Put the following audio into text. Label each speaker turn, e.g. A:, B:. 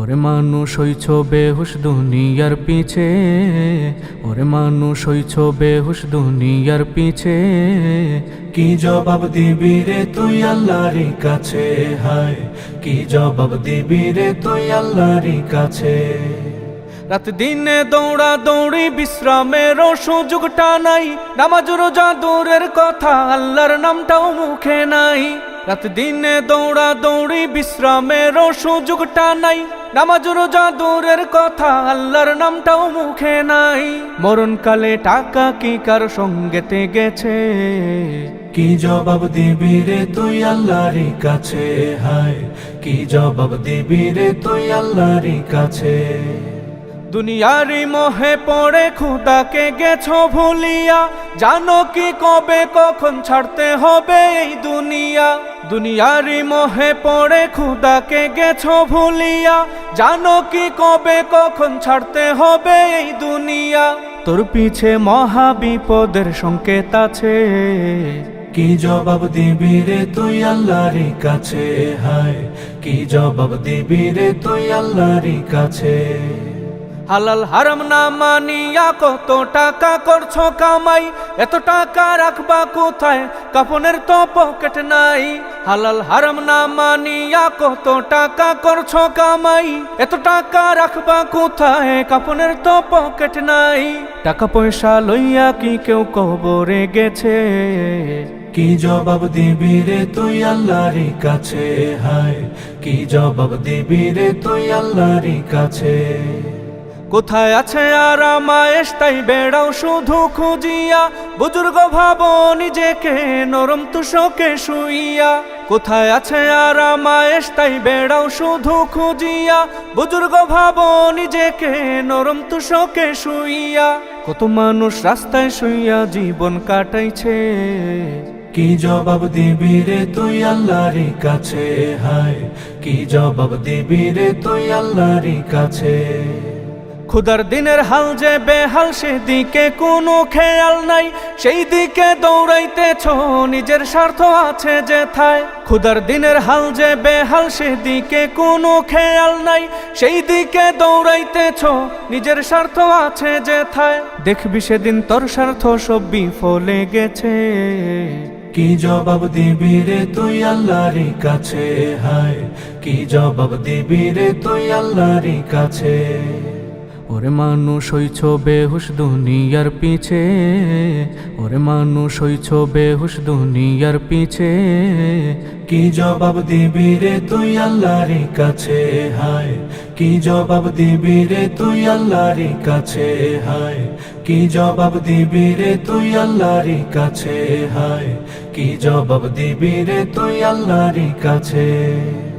A: ওরে মানুষ হইছ বেহুশ দুনিয়ার পিছে, ওরে মানুষ হইছ বেহুশ দুনিয়ার পিছে।
B: কি জবাব দিবি রে তুই আল্লাহর কাছে, হায় কি জবাব দিবি রে তুই আল্লাহর কাছে।
A: রাত দিনে দৌড়া দৌড়ি বিশ্রামেরও সুযোগটা নাই, নামাজ রোজা দূরের কথা আল্লাহর নামটাও মুখে নাই। রাত দিনে দৌড়া দৌড়ি বিশ্রামেরও সুযোগটা নাই, নামাজ রোজা দূরের কথা আল্লাহর নামটাও মুখে নাই। মরণকালে টাকা কি কার সঙ্গেতে গেছে,
B: কি জবাব দিবি রে তুই আল্লাহর কাছে, হায় কি জবাব দিবি রে তুই আল্লাহর কাছে।
A: দুনিয়ারি মোহে পড়ে খুদাকে গেছো ভুলিয়া, জানো কি কবে কখন ছাড়তে হবে এই দুনিয়া। দুনিয়ারি মোহে পড়ে খুদাকে গেছো ভুলিয়া, জানো কি কবে কখন ছাড়তে হবে এই দুনিয়া। তোর পিছে মহা বিপদের সংকেত আছে,
B: কি জবাব দিবি রে তুই আল্লাহর কাছে, হায় কি জবাব দিবি রে তুই আল্লাহর কাছে।
A: হালাল হারাম না মানিয়া কত টাকা করছো কামাই, এত টাকা রাখবা কোথায় কাফনের তো পকেট নাই। হালাল হারাম না মানিয়া কত টাকা করছো কামাই, এত টাকা রাখবা কোথায় কাফনের তো পকেট নাই। টাকা পয়সা লইয়া কি কেউ কবরে গেছে,
B: কি জবাব দিবি রে তুই আল্লাহর কাছে, হায় কি জবাব দিবি রে তুই আল্লাহর কাছে।
A: কোথায় আছে আরাম আয়েশ তাই বেড়াও শুধু খুঁজিয়া, বুজুর্গ ভাবো নিজেকে নরম তুষকে শুইয়া। কোথায় আছে আরাম আয়েশ তাই বেড়াও শুধু খুঁজিয়া, বুজুর্গ ভাবো নিজেকে নরম তুষকে শুইয়া। কত মানুষ রাস্তায় শুইয়া জীবন কাটাইছে,
B: কি জবাব দিবি রে তুই আল্লাহর কাছে, হায় কি জবাব দিবি রে তুই আল্লাহর কাছে।
A: খুদার দিনের হাল যে বেহাল সেদিকে কোনো খেয়াল নাই, সেই দিকে দৌড়াইতেছ নিজের স্বার্থ আছে যেথায়। খুদার দিনের হাল যে বেহাল সেদিকে কোনো খেয়াল নাই, সেই দিকে দৌড়াইতেছ নিজের স্বার্থ আছে যেথায়। দেখবি সেদিন তোর স্বার্থ সব বিফলে গেছে,
B: কি জবাব দিবি রে তুই আল্লাহর কাছে, হায় কি জবাব দিবি রে তুই আল্লাহর কাছে।
A: ওরে মানুষ হইছ বেহুশ দুনিয়ার পিছে, ওরে মানুষ হইছ বেহুশ দুনিয়ার পিছে।
B: কি জবাব দিবি রে তুই আল্লাহর কাছে, হায় কি জবাব দিবি রে তুই আল্লাহর কাছে, হায় কি জবাব দিবি রে তুই আল্লাহর কাছে, হায় কি জবাব দিবি রে তুই আল্লাহর কাছে।